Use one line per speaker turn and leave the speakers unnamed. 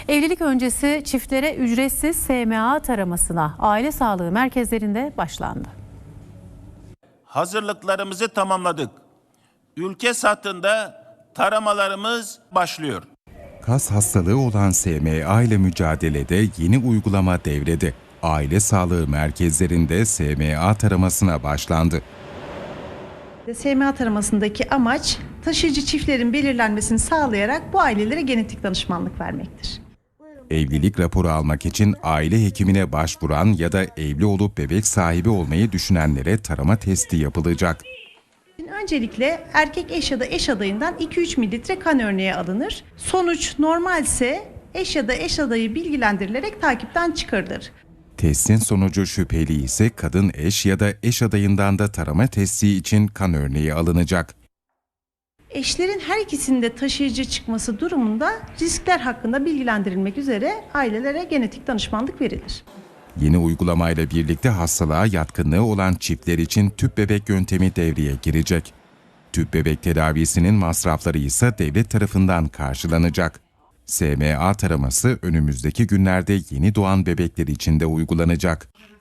Evlilik öncesi çiftlere ücretsiz SMA taramasına aile sağlığı merkezlerinde başlandı.
Hazırlıklarımızı tamamladık. Ülke satında taramalarımız başlıyor.
Kas hastalığı olan SMA ile mücadelede yeni uygulama devrede. Aile sağlığı merkezlerinde SMA taramasına başlandı.
SMA taramasındaki amaç taşıyıcı çiftlerin belirlenmesini sağlayarak bu ailelere genetik danışmanlık vermektir.
Evlilik raporu almak için aile hekimine başvuran ya da evli olup bebek sahibi olmayı düşünenlere tarama testi yapılacak.
Öncelikle erkek eş ya da eş adayından 2-3 mililitre kan örneği alınır. Sonuç normalse eş ya da eş adayı bilgilendirilerek takipten çıkarılır.
Testin sonucu şüpheli ise kadın eş ya da eş adayından da tarama testi için kan örneği alınacak.
Eşlerin her ikisinde taşıyıcı çıkması durumunda riskler hakkında bilgilendirilmek üzere ailelere genetik danışmanlık verilir.
Yeni uygulamayla birlikte hastalığa yatkınlığı olan çiftler için tüp bebek yöntemi devreye girecek. Tüp bebek tedavisinin masrafları ise devlet tarafından karşılanacak. SMA taraması önümüzdeki günlerde yeni doğan bebekler için de uygulanacak.